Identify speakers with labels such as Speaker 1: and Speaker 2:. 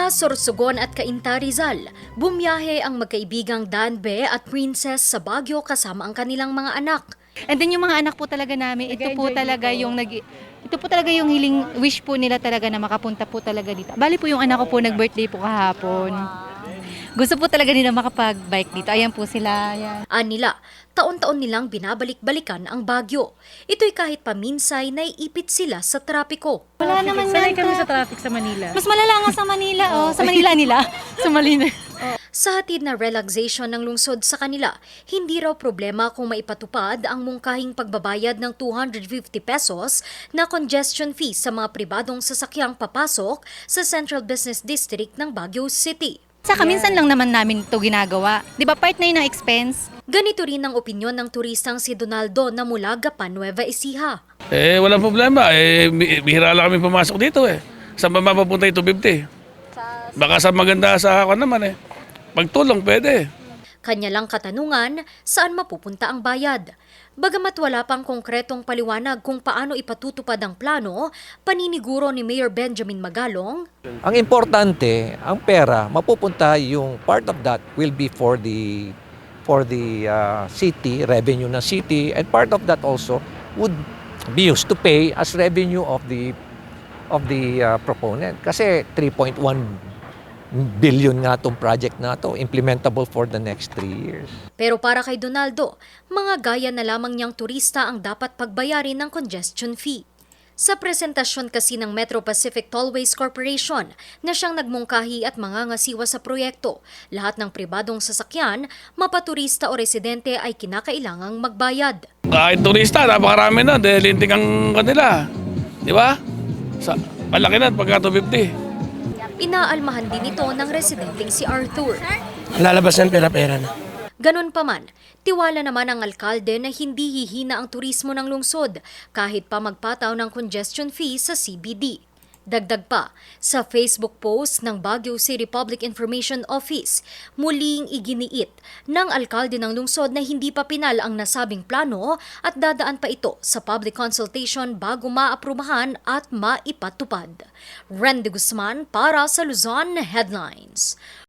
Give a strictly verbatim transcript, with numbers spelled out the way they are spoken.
Speaker 1: Mula Sorsogon at Cainta, Rizal, bumiyahe ang magkaibigang Danbe at Princess sa Baguio kasama ang kanilang mga anak.
Speaker 2: And then yung mga anak po talaga namin, ito po talaga yung nag ito po talaga yung hiling wish po nila talaga na makapunta po talaga dito. Bali po yung anak ko po nag-birthday po kahapon. Gusto po talaga nila makapag-bike dito. Ayan po sila. Ayan.
Speaker 1: Anila, taon-taon nilang binabalik-balikan ang Baguio. Ito'y kahit paminsay naiipit sila sa trapiko.
Speaker 2: Wala naman
Speaker 3: Sanay
Speaker 2: yan.
Speaker 3: kami sa traffic sa Manila.
Speaker 2: Mas malala nga sa Manila. Oh, sa Manila nila. Sa Manila.
Speaker 1: Sa hatid na relaxation ng lungsod sa kanila, hindi raw problema kung maipatupad ang mungkahing pagbabayad ng two hundred fifty pesos na congestion fee sa mga pribadong sasakyang papasok sa Central Business District ng Baguio City.
Speaker 2: Saka minsan lang naman namin ito ginagawa. Di ba part na yun ng expense?
Speaker 1: Ganito rin ang opinyon ng turistang si Donaldo na mula Gapan, Nueva Ecija.
Speaker 4: Eh, walang problema. Eh, bi- bihira lang kami pumasok dito eh. Saan ba mapapunta yung two fifty? Baka sa maganda sa ako naman eh. Pagtulong, pwede.
Speaker 1: Kanya lang katanungan, saan mapupunta ang bayad? Bagamat wala pang konkretong paliwanag kung paano ipatutupad ang plano, paniniguro ni Mayor Benjamin Magalong,
Speaker 5: Ang importante, ang pera, mapupunta yung part of that will be for the for the uh, city, revenue ng city, and part of that also would be used to pay as revenue of the of the uh, proponent. Kasi three point one billion nga itong project na to, implementable for the next three years.
Speaker 1: pero para kay Donaldo, mga gaya na lamang niyang turista ang dapat pagbayarin ng congestion fee. Sa presentasyon kasi ng Metro Pacific Tollways Corporation na siyang nagmungkahi at mangangasiwa sa proyekto, lahat ng pribadong sasakyan, mapaturista o residente ay kinakailangang magbayad.
Speaker 4: Kahit turista, napakarami na. Dahil linting ang kanila. Di ba? Sa, malaki na pagka two fifty.
Speaker 1: Inaalmahan din ito ng residenteng si Arthur.
Speaker 6: Lalabas ng pera-pera na.
Speaker 1: Ganun pa man, tiwala naman ang alkalde na hindi hihina ang turismo ng lungsod kahit pa magpataw ng congestion fee sa C B D. Dagdag pa, sa Facebook post ng Baguio City Public Information Office, muling iginiit ng alkalde ng lungsod na hindi pa pinal ang nasabing plano at dadaan pa ito sa public consultation bago maaprubahan at maipatupad. Randy Guzman para sa Luzon Headlines.